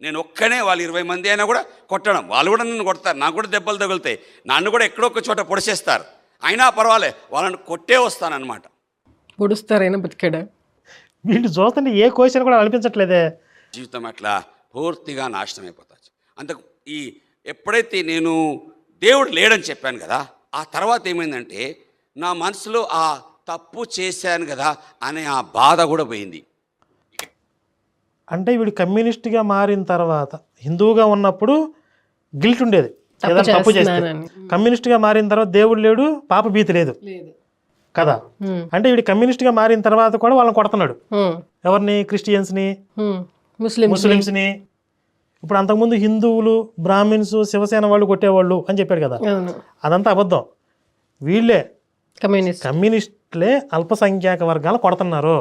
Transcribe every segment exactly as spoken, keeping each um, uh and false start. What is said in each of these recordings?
నేను ఒక్కనే వాళ్ళు ఇరవై మంది అయినా కూడా కొట్టడం, వాళ్ళు కూడా నన్ను కొడతారు, నాకు కూడా దెబ్బలు తగులుతాయి, నన్ను కూడా ఎక్కడో ఒక చోట పొడిచేస్తారు, అయినా పర్వాలే వాళ్ళని కొట్టే వస్తానన్నమాట. పొడుస్తారైనా బతికాడా? వీళ్ళు చూస్తుంటే ఏ క్వశ్చన్ కూడా అనిపించట్లేదే. జీవితం అట్లా పూర్తిగా నాశనం అయిపోతుంది. అంత ఈ ఎప్పుడైతే నేను దేవుడు లేడని చెప్పాను కదా, ఆ తర్వాత ఏమైందంటే నా మనసులో ఆ తప్పు చేశాను కదా అనే ఆ బాధ కూడా పోయింది. అంటే వీడు కమ్యూనిస్ట్గా మారిన తర్వాత హిందువుగా ఉన్నప్పుడు గిల్ట్ ఉండేది, ఏదైనా తప్పు చేస్తే. కమ్యూనిస్ట్గా మారిన తర్వాత దేవుడు లేడు, పాప భీతి లేదు కదా. అంటే వీడు కమ్యూనిస్ట్గా మారిన తర్వాత కూడా వాళ్ళని కొడుతున్నాడు. ఎవరిని? క్రిస్టియన్స్ని, ముస్లిమ్స్ని. ఇప్పుడు అంతకుముందు హిందువులు, బ్రాహ్మిన్స్, శివసేన వాళ్ళు కొట్టేవాళ్ళు అని చెప్పాడు కదా, అదంతా అబద్ధం. వీళ్ళే కమ్యూనిస్టులే అల్పసంఖ్యాక వర్గాలు కొడుతున్నారు.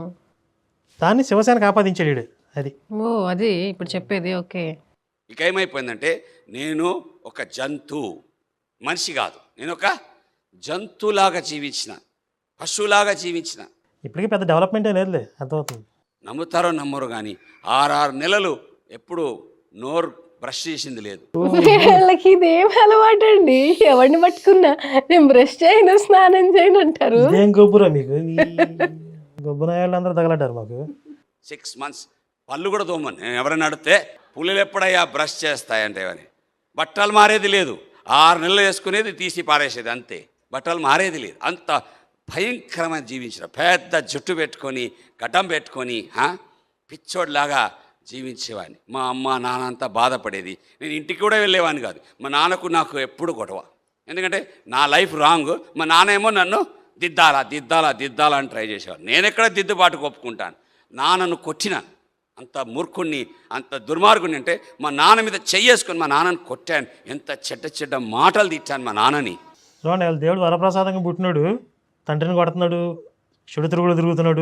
దాన్ని శివసేనకు ఆపాదించాడు. అది ఓ అది ఇప్పుడు చెప్పేది. ఓకే. ఇక ఏమైపోయిందంటే నేను ఒక జంతువు, మనిషి కాదు, నేను ఒక జంతువులాగా జీవించిన, పశువులాగా జీవించిన. ఇప్పటికీ పెద్ద డెవలప్మెంట్ లేదులే, అర్థమవుతుంది. నమ్ముతారో నమ్మరు కానీ ఆరారు నెలలు ఎప్పుడు నోరు బ్రష్ చేసింది లేదు. వాళ్ళకి ఇదేం అలవాటు అండి, ఎవరిని పట్టుకున్నా నేను బ్రష్ చేయను, స్నానం చేయను అంటారు. ఏం గొబ్బురా మీకు? గొబ్బునాయాళ్ళందరూ తగలడ్డారు మాకు. సిక్స్ మంత్స్ పళ్ళు కూడా తోమని నేను ఎవరైనా అడిగితే పుల్లలు ఎప్పుడయ్యా బ్రష్ చేస్తాయంటే అని. బట్టలు మారేది లేదు, ఆరు నెలలు వేసుకునేది తీసి పారేసేది అంతే, బట్టలు మారేది లేదు. అంత భయంకరమైన జీవించిన, పెద్ద జుట్టు పెట్టుకొని గడ్డం పెట్టుకొని పిచ్చోడ్లాగా జీవించేవాడిని. మా అమ్మ నాన్న అంతా బాధపడేది. నేను ఇంటికి కూడా వెళ్ళేవాడిని కాదు. మా నాన్నకు నాకు ఎప్పుడు గొడవ, ఎందుకంటే నా లైఫ్ రాంగ్, మా నాన్న ఏమో నన్ను దిద్దాలా దిద్దాలా దిద్దాలా అని ట్రై చేసేవాడు. నేను ఎక్కడ దిద్దుబాటు ఒప్పుకుంటాను? నాన్నను కొట్టిన అంత మూర్ఖుణ్ణి, అంత దుర్మార్గుని అంటే మా నాన్న మీద చెయ్యేసుకొని మా నాన్నని కొట్టాను. ఎంత చెడ్డ చెడ్డ మాటలు తిట్టాను మా నాన్నని. చూడండి, దేవుడు వరప్రసాదంగా పుట్టినాడు, తండ్రిని కొడుతున్నాడు, చెడు తిరుగుడు తిరుగుతున్నాడు,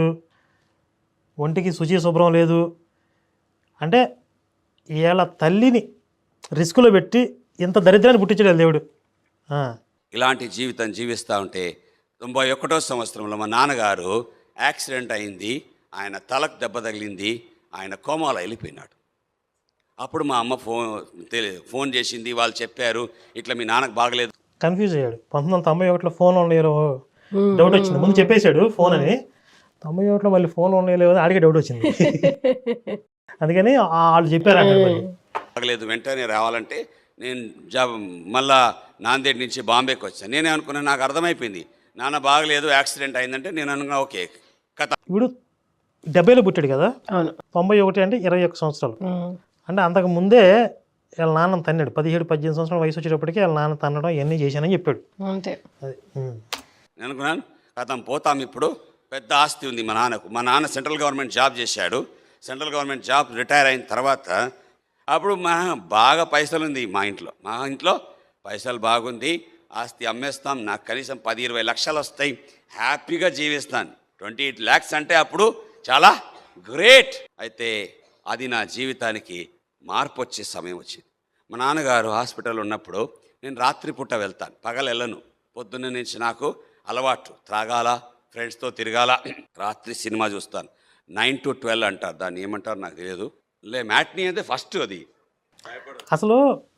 ఒంటికి శుచి శుభ్రం లేదు. అంటే వీళ్ళ తల్లిని రిస్కులో పెట్టి ఇంత దరిద్రాన్ని పుట్టించాడు దేవుడు. ఇలాంటి జీవితం జీవిస్తూ ఉంటే తొంభై ఒకటో సంవత్సరంలో మా నాన్నగారు యాక్సిడెంట్ అయింది, ఆయన తలకు దెబ్బ తగిలింది, ఆయన కోమాలో వెళ్ళిపోయినాడు. అప్పుడు మా అమ్మ ఫోన్ ఫోన్ చేసింది, వాళ్ళు చెప్పారు ఇట్లా మీ నాన్నకు బాగలేదు. కన్ఫ్యూజ్ అయ్యాడు. పంతొమ్మిది వందల తొంభై ఒకటిలో ఫోన్ ఉండలేరు డౌట్ వచ్చింది. ముందు చెప్పేశాడు ఫోన్ అని, తొంభై ఒకటిలో మళ్ళీ ఫోన్ ఉండలేవు అని ఆడికి డౌట్ వచ్చింది. అందుకని వాళ్ళు చెప్పారు బాగలేదు, వెంటనే రావాలంటే నేను జాబ్ మళ్ళా నాందేడ్ నుంచి బాంబేకి వచ్చాను. నేనే అనుకున్నాను, నాకు అర్థమైపోయింది నాన్న బాగలేదు యాక్సిడెంట్ అయిందంటే నేను అనుకున్నా ఓకే కథ. ఇప్పుడు డెబ్బైలో పుట్టాడు కదా, తొంభై ఒకటి అంటే ఇరవై ఒక్క సంవత్సరాలు. అంటే అంతకు ముందే వీళ్ళ నాన్న తన్నాడు. పదిహేడు పద్దెనిమిది సంవత్సరాల వయసు వచ్చేటప్పటికి వీళ్ళ నాన్న తన్నడం ఇవన్నీ చేశానని చెప్పాడు. అంతే. అది నేను అనుకున్నాను కథం పోతాం, ఇప్పుడు పెద్ద ఆస్తి ఉంది మా నాన్నకు. మా నాన్న సెంట్రల్ గవర్నమెంట్ జాబ్ చేశాడు. సెంట్రల్ గవర్నమెంట్ జాబ్ రిటైర్ అయిన తర్వాత అప్పుడు మా బాగా పైసలు ఉంది మా ఇంట్లో. మా ఇంట్లో పైసలు బాగుంది, ఆస్తి అమ్మేస్తాం, నాకు కనీసం పది ఇరవై లక్షలు వస్తాయి, హ్యాపీగా జీవిస్తాను. ట్వంటీ ఎయిట్ ల్యాక్స్ అంటే అప్పుడు చాలా గ్రేట్. అయితే అది నా జీవితానికి మార్పు వచ్చే సమయం వచ్చింది. మా నాన్నగారు హాస్పిటల్ ఉన్నప్పుడు నేను రాత్రిపూట వెళ్తాను, పగలు వెళ్ళను. పొద్దున్న నుంచి నాకు అలవాటు, త్రాగాల, ఫ్రెండ్స్తో తిరగాల, రాత్రి సినిమా చూస్తాను. నైన్ టు ట్వెల్వ్ అంటారు, దాన్ని ఏమంటారు నాకు తెలియదు. లే మ్యాట్నీ అయితే ఫస్ట్. అది అసలు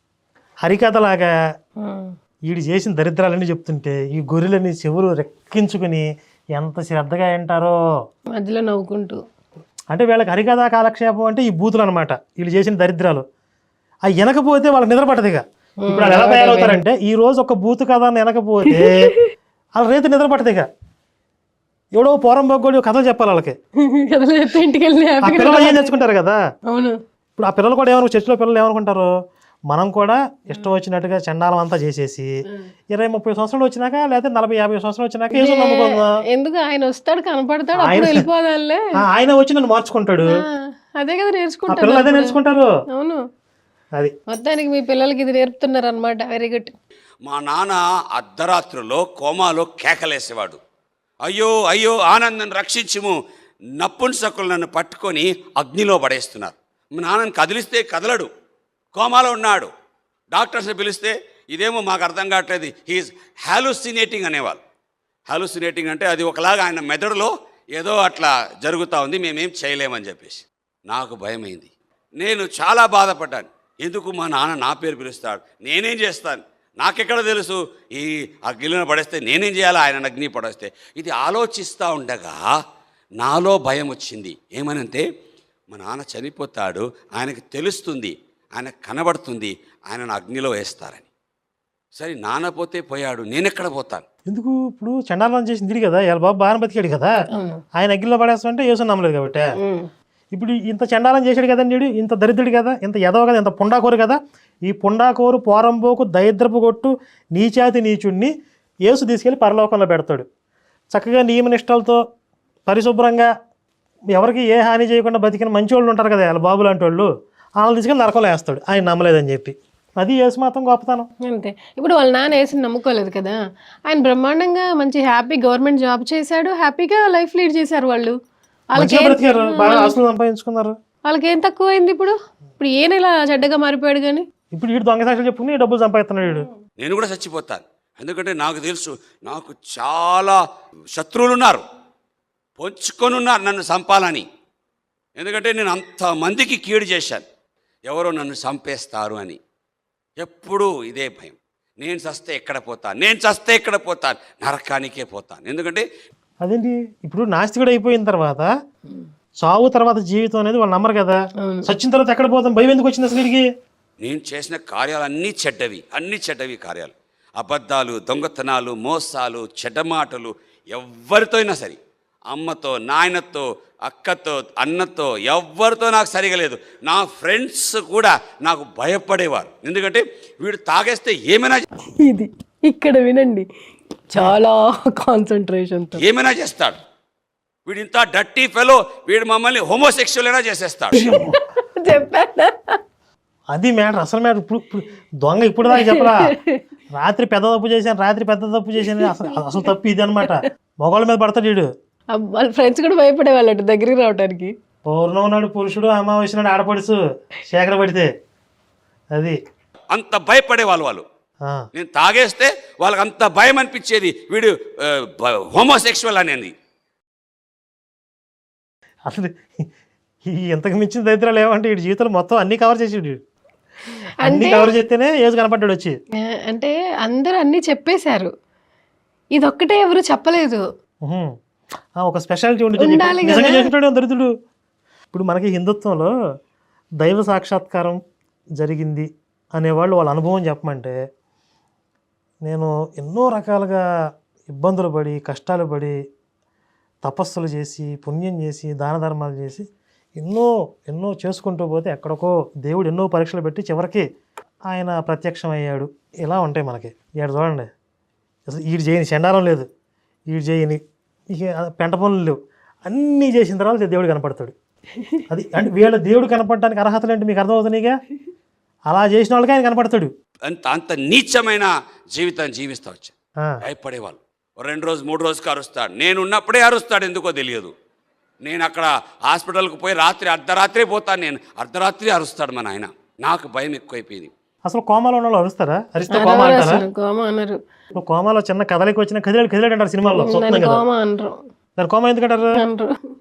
హరికథలాగా వీడు చేసిన దరిద్రాలన్నీ చెప్తుంటే ఈ గొర్రెలని చెవులు రెక్కించుకుని ఎంత శ్రద్ధగా వింటారో, మధ్యలో నవ్వుకుంటూ. అంటే వీళ్ళకి హరికథా కాలక్షేపం అంటే ఈ బూతులు అనమాట, వీళ్ళు చేసిన దరిద్రాలు. అవి వినకపోతే వాళ్ళకి నిద్ర పట్టదు. ఇక ఇప్పుడు వాళ్ళు ఎలా తయారవుతారంటే ఈ రోజు ఒక బూతు కథ వినకపోతే వాళ్ళ రేపు నిద్ర పట్టదు. ఇక ఎవడో పోరం బొగ్గోడి కథలు చెప్పాలి వాళ్ళకి. పిల్లలు ఏం నేర్చుకుంటారు కదా. అవును. ఇప్పుడు ఆ పిల్లలు కూడా ఏమనుకో, చర్చిలో పిల్లలు ఏమనుకుంటారు, మనం కూడా ఇష్టం వచ్చినట్టుగా చండాలం అంతా చేసేసి ఇరవై ముప్పై సంవత్సరాలు వచ్చినాక లేకపోతే నలభై యాభై సంవత్సరాలు వచ్చినాక ఏదో నమ్ముకుందాం. ఎందుకు ఆయన వస్తాడు, కనపడతాడు, వెళ్ళిపోదాలే, ఆయన వచ్చి నన్ను మార్చుకుంటాడు. అదే కదా నేర్చుకుంటారు, పిల్లలు అదే నేర్చుకుంటారు. అవును. అది మొత్తానికి మీ పిల్లలకి ఇది నేర్పుతున్నారు అనమాట. Very good. మా నాన్న అర్ధరాత్రులో కోమాలో కేకలేసేవాడు, అయ్యో అయ్యో ఆనందం రక్షించుము, నప్పుంసకులు నన్ను పట్టుకొని అగ్నిలో పడేస్తున్నారు. మా నాన్నని కదిలిస్తే కదలడు, కోమాలో ఉన్నాడు. డాక్టర్స్ని పిలిస్తే ఇదేమో మాకు అర్థం కావట్లేదు, హీఈస్ హాలుసినేటింగ్ అనేవాళ్ళు. హాలుసినేటింగ్ అంటే అది ఒకలాగా ఆయన మెదడులో ఏదో అట్లా జరుగుతూ ఉంది, మేమేం చేయలేమని చెప్పేసి. నాకు భయమైంది, నేను చాలా బాధపడ్డాను. ఎందుకు మా నాన్న నా పేరు పిలుస్తాడు, నేనేం చేస్తాను, నాకెక్కడ తెలుసు, ఈ అగ్నిలో పడేస్తే నేనేం చేయాలి, ఆయన అగ్ని పడేస్తే. ఇది ఆలోచిస్తూ ఉండగా నాలో భయం వచ్చింది. ఏమనంటే మా నాన్న చనిపోతాడు, ఆయనకు తెలుస్తుంది, ఆయనకు కనబడుతుంది, ఆయనను అగ్నిలో వేస్తారని. సరే నాన్న పోతే పోయాడు, నేనెక్కడ పోతాను? ఎందుకు ఇప్పుడు చండాలం చేసింది తిరిగి కదా, ఇలా బాబు బాగా బతికాడు కదా, ఆయన అగ్గిలో పడేస్తామంటే యేసు నమ్మలేదు కాబట్టి. ఇప్పుడు ఇంత చండాలం చేశాడు కదండి వీడు, ఇంత దరిద్రుడు కదా, ఇంత ఎదవ కదా, ఇంత పుండాకోరు కదా, ఈ పుండాకోరు పోరంబోకు దరిద్రపు కొట్టు నీచాతి నీచుడిని యేసు తీసుకెళ్ళి పరలోకంలో పెడతాడు. చక్కగా నియమనిష్టలతో పరిశుభ్రంగా ఎవరికి ఏ హాని చేయకుండా బతికిన మంచి వాళ్ళు ఉంటారు కదా, వాళ్ళ బాబు లాంటి వాళ్ళు, వాళ్ళని తీసుకెళ్ళి నరకంలో వేస్తాడు ఆయన నమ్మలేదని చెప్పి. అది యేసు మాత్రం గొప్పతనం అంతే. ఇప్పుడు వాళ్ళ నాన్న వేసి నమ్ముకోలేదు కదా, ఆయన బ్రహ్మాండంగా మంచి హ్యాపీ గవర్నమెంట్ జాబ్ చేశాడు, హ్యాపీగా లైఫ్ లీడ్ చేశారు వాళ్ళు. వాళ్ళకి మంచిగా బ్రతికారు, బాగా ఆస్తులు సంపాదించుకున్నారు. వాళ్ళకి ఏం తక్కువ అయింది ఇప్పుడు? ఇప్పుడు ఈయన ఇలా చెడ్డగా మారిపోయాడు కానీ ఇప్పుడు వీడు దొంగ సాక్షులు చెప్పుకుని డబ్బులు సంపాదిస్తున్నాడు వీడు. నేను కూడా చచ్చిపోతాను. ఎందుకంటే నాకు తెలుసు నాకు చాలా శత్రువులు ఉన్నారు, పొంచుకొని ఉన్నారు నన్ను చంపాలని. ఎందుకంటే నేను అంతమందికి కీడు చేశాను, ఎవరో నన్ను చంపేస్తారు అని. ఎప్పుడూ ఇదే భయం, నేను చస్తే ఎక్కడ పోతాను, నేను చస్తే ఎక్కడ పోతాను, నరకానికే పోతాను. ఎందుకంటే అదేంటి ఇప్పుడు నాస్తికుడు అయిపోయిన తర్వాత సావు తర్వాత జీవితం అనేది వాళ్ళు నమ్మరు కదా, చచ్చిన తర్వాత ఎక్కడ పోతాం భయం ఎందుకు వచ్చింది అసలు వీడికి? నేను చేసిన కార్యాలు అన్నీ చెడ్డవి, అన్నీ చెడ్డవి కార్యాలు, అబద్ధాలు, దొంగతనాలు, మోసాలు, చెడ్డ మాటలు. ఎవరితో అయినా సరే, అమ్మతో, నాయనతో, అక్కతో, అన్నతో, ఎవరితో నాకు సరిగా లేదు. నా ఫ్రెండ్స్ కూడా నాకు భయపడేవారు. ఎందుకంటే వీడు తాగేస్తే ఏమైనా ఇది ఇక్కడ వినండి, చాలా కాన్సన్ట్రేషన్తో ఏమైనా చేస్తాడు. వీడు ఇంత డర్టీ ఫెలో, వీడు మమ్మల్ని హోమోసెక్షువల్ అయినా చేసేస్తాడు. చెప్పానా? అది మ్యాటర్, అసలు మ్యాటర్. ఇప్పుడు ఇప్పుడు దొంగ ఇప్పుడు దాకా చెప్పరా, రాత్రి పెద్ద తప్పు చేశాను, రాత్రి పెద్ద తప్పు చేశాను, అసలు అసలు తప్పు ఇది అనమాట. మొగోళ్ళ మీద పడతాడు వీడు. వాళ్ళ ఫ్రెండ్స్ కూడా భయపడేవాళ్ళట దగ్గరికి రావడానికి. పౌర్ణం నాడు పురుషుడు, అమావాస్య నాడు ఆడపడుచు శేఖర పడితే అది అంత భయపడేవాళ్ళు వాళ్ళు. ఆ. నేను తాగేస్తే వాళ్ళకి అంత భయం అనిపించేది, వీడు హోమోసెక్షువల్ అనేది. అసలు ఈ ఇంతకు మించిన దరిద్రాలు ఏమంటే వీడి జీవితంలో మొత్తం అన్ని కవర్ చేసి వీడు అన్ని కవర్ చేస్తేనే ఏజ్ కనపడ్డాడు వచ్చి. అంటే అందరూ అన్ని చెప్పేశారు, ఇదొక్కటే ఎవరు చెప్పలేదు. ఉహుం. ఆ, ఒక స్పెషాలిటీ ఉండి ఉండాలి కదా. నిజంగా చేసుకుంటాడు దరిద్రుడు. ఇప్పుడు మనకి హిందుత్వంలో దైవ సాక్షాత్కారం జరిగింది అనేవాళ్ళు వాళ్ళ అనుభవం చెప్పమంటే, నేను ఎన్నో రకాలుగా ఇబ్బందులు పడి కష్టాలు పడి తపస్సులు చేసి పుణ్యం చేసి దాన ధర్మాలు చేసి ఎన్నో ఎన్నో చేసుకుంటూ పోతే ఎక్కడికో దేవుడు ఎన్నో పరీక్షలు పెట్టి చివరికి ఆయన ప్రత్యక్షం అయ్యాడు. ఇలా ఉంటాయి మనకి. ఇక్కడ చూడండి, అసలు వీడు చేయని చండాలం లేదు, వీడు చేయని ఇక పెంట పనులు లేవు, అన్నీ చేసిన తర్వాత దేవుడు కనపడతాడు. అది అంటే వీళ్ళ దేవుడు కనపడడానికి అర్హతలు ఏంటి మీకు అర్థమవుతున్నాయిగా. అలా చేసిన వాళ్ళకి ఆయన కనపడతాడు. అంత అంత నీచమైన జీవితాన్ని జీవిస్తా వచ్చా. ఆ, భయపడేవాళ్ళు. రెండు రోజు మూడు రోజుకి అరుస్తాడు, నేను ఉన్నప్పుడే అరుస్తాడు, ఎందుకో తెలియదు. నేను అక్కడ హాస్పిటల్కి పోయి రాత్రి అర్ధరాత్రి పోతాను, నేను అర్ధరాత్రి అరుస్తాడు మా నాయన. నాకు భయం ఎక్కువైపోయింది. అసలు కోమాలో ఉన్న వాళ్ళు అరుస్తారా? అరిస్తే కోమా అంటారా? కోమా అన్నారు. ఇప్పుడు కోమాలో చిన్న కదలికి వచ్చిన కదిలాడు కదిలాడు అంటారు సినిమాల్లో. కోమా అనరు. దాని కోమా ఎందుకంటారు? అనరు